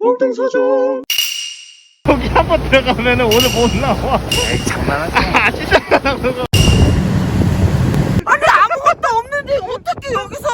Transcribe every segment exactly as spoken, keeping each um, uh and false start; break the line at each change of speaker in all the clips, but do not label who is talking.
몽둥서줘. 거기 한번 들어가면은 오늘 못 나와.
에이 장난하지.
아 진짜 그거.
아니 아무것도 없는데 어떻게 여기서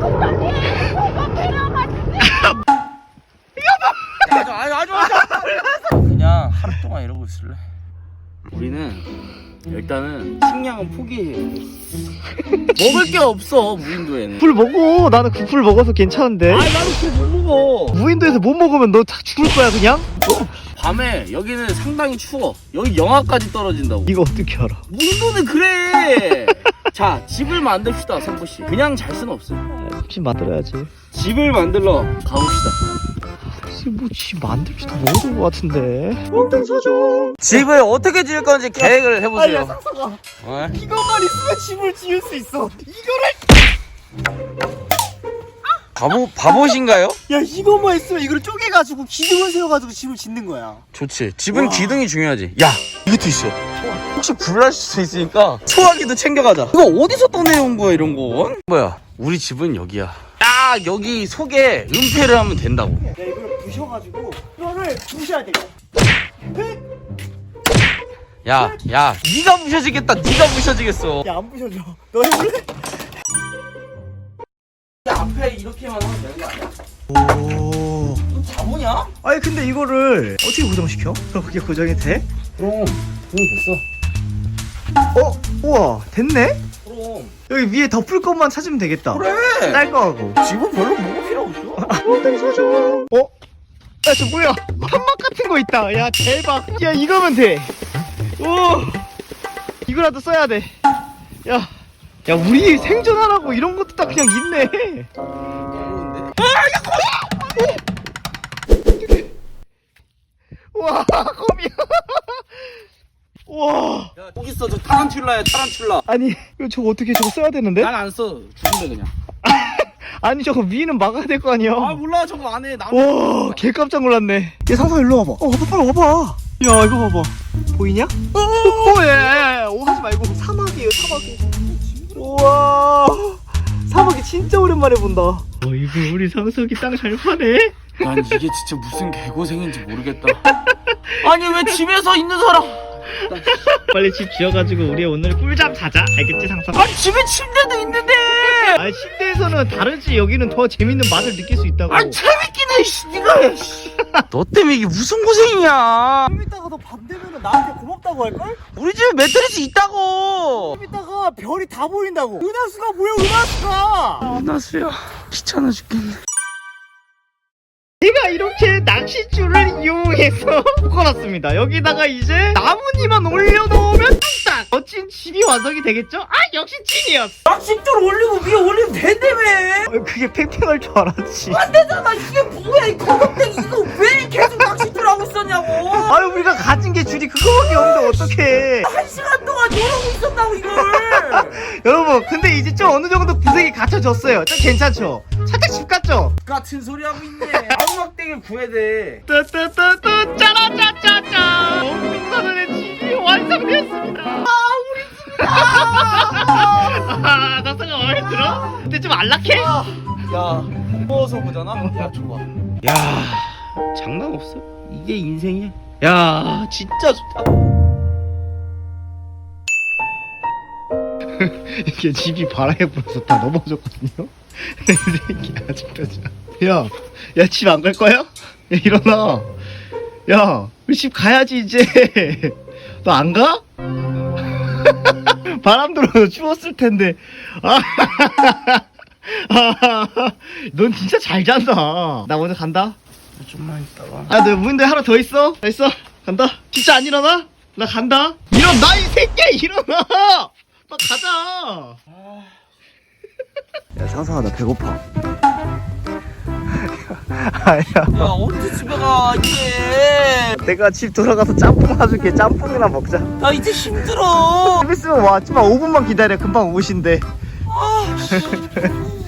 아주 아주 아주 그냥 하루 동안 이러고 있을래.
우리는 일단은 식량은 포기해. 먹을 게 없어 무인도에는.
풀 먹어. 나는 그 풀 먹어서 괜찮은데.
아니 나는 그거 못 먹어.
무인도에서 못 먹으면 너 다 죽을 거야 그냥?
밤에 여기는 상당히 추워. 여기 영하까지 떨어진다고.
이거 어떻게 알아?
무인도는 그래. 자 집을 만듭시다 선포씨. 그냥 잘 수는 없어.
집 만들어야지.
집을 만들러 가봅시다.
뭐집 만들지도 모르는 것 같은데. 몽둥서줘.
집을 어떻게 지을 건지 계획을 해보세요.
아니야 상상아.
어?
이것만 있으면 집을 지을 수 있어. 이거를.
바보 바보신가요?
야 이것만 있으면 이걸 쪼개가지고 기둥을 세워가지고 집을 짓는 거야.
좋지. 집은
와.
기둥이 중요하지. 야 이것도 있어. 혹시 불날 수도 있으니까 소화기도 챙겨가자. 이거 어디서 떠내온 거야 이런 거? 뭐야? 우리 집은 여기야. 딱 여기 속에 은폐를 하면 된다고.
야 이걸 부셔가지고 이거를 부셔야 돼.
야, 야, 네가 부셔지겠다. 네가 부셔지겠어.
야 안 부셔져. 너 해볼래?
앞에 이렇게만 하면 되는 거 아니야?
오.
너 바보냐?
아니 근데 이거를 어떻게 고정시켜? 그럼 그게 고정이 돼?
그럼 그럼 됐어.
어? 우와 됐네?
그럼.
여기 위에 덮을 것만 찾으면 되겠다.
그래.
딸 거 하고.
집은 별로 뭐가 필요 없어.
몽둥서줘. 어? 야 저 뭐야? 판막 같은 거 있다. 야 대박. 야 이거면 돼. 오. 이거라도 써야 돼. 야. 야 우리 생존하라고 이런 것도 다 그냥 있네. 와 거미야. 와.
야, 여기 있어. 저 타란툴라야, 타란툴라.
아니 이거 저거 어떻게 저거 써야 되는데?
난 안 써. 죽을래 그냥.
아니 저거 위는 막아야 될 거 아니야.
아 몰라 저거 안 해. 나는.
와, 개 깜짝 놀랐네. 얘 상상 일로 와봐. 어, 와봐, 빨리 와봐. 야, 이거 봐봐. 보이냐? 어, 어, 야, 야, 야, 오 하지 말고. 사막이에요, 사막이. 우와, 사막이 진짜 오랜만에 본다. 어, 이거 우리 상석이 땅 잘 파네.
난 이게 진짜 무슨 개고생인지 모르겠다. 아니 왜 집에서 있는 사람?
빨리 집 지어가지고 우리 오늘 꿀잠 자자. 알겠지, 상석?
아 집에 침대도 있는데.
아니, 침대에서는 다르지. 여기는 더 재밌는 맛을 느낄 수 있다고.
아 재밌긴 해. 씨, 니가. 씨. 너 때문에 이게 무슨 고생이냐?
좀 이따가 너 밤 되면 나한테 고맙다고 할걸?
우리 집에 매트리스 있다고.
좀 이따가 별이 다 보인다고. 은하수가 뭐야, 은하수가.
나수야 귀찮아 죽겠네.
제가 이렇게 낚싯줄을 이용해서 묶어놨습니다. 여기다가 이제 나뭇잎만 올려놓으면 뚝딱 멋진 집이 완성이 되겠죠? 아 역시 찐이었어.
낚싯줄 올리고 위에 올리면 된다며.
어, 그게 팽팽할 줄 알았지.
안 되잖아. 이게 뭐야 이 거덕대기. 이거 왜 계속 낚싯줄 하고 있었냐고.
아유 우리가 가진 게 줄이 그거밖에 없는데 어떡해.
한 시간 동안 이러고 있었다고 이걸.
여러분 근데 이제 좀 어느 정도 구색이 갖춰졌어요. 좀 괜찮죠? 살짝 집 같죠?
같은 소리 하고 있네. 아우막대기를 구해야 돼.
뚜뚜뚜뚜 짜라짜짜짜 몽둥서준의 집이 완성되었습니다. 아 우리 집이다. 아 나사가 마음에 들어? 근데 좀 안락해?
야, 누워서 보잖아. 야, 좋아. 야, 장난 없어. 이게 인생이야. 야, 진짜 좋다.
이게 집이 바람에 불어서 다 넘어졌거든요. 이 새끼 아직까지. 야, 야 집 안 갈 거야? 야 일어나. 야, 우리 집 가야지 이제. 너 안 가? 바람 들어서 추웠을 텐데. 아, 넌 진짜 잘 잔다. 나 먼저 간다.
좀만 있다가.
아, 너 무인도에 하나 더 있어? 더 있어? 간다. 진짜 안 일어나? 나 간다. 일어나 이 새끼야 일어나. 나 가자. 야 상상아 나 배고파. 아야.
야, 언제 집에 가, 이제.
내가 집 돌아가서 짬뽕 사줄게. 짬뽕이나 먹자.
나 이제 힘들어.
좀 있으면 와. 좀만 오 분만 기다려. 금방 오신대.
아, 씨.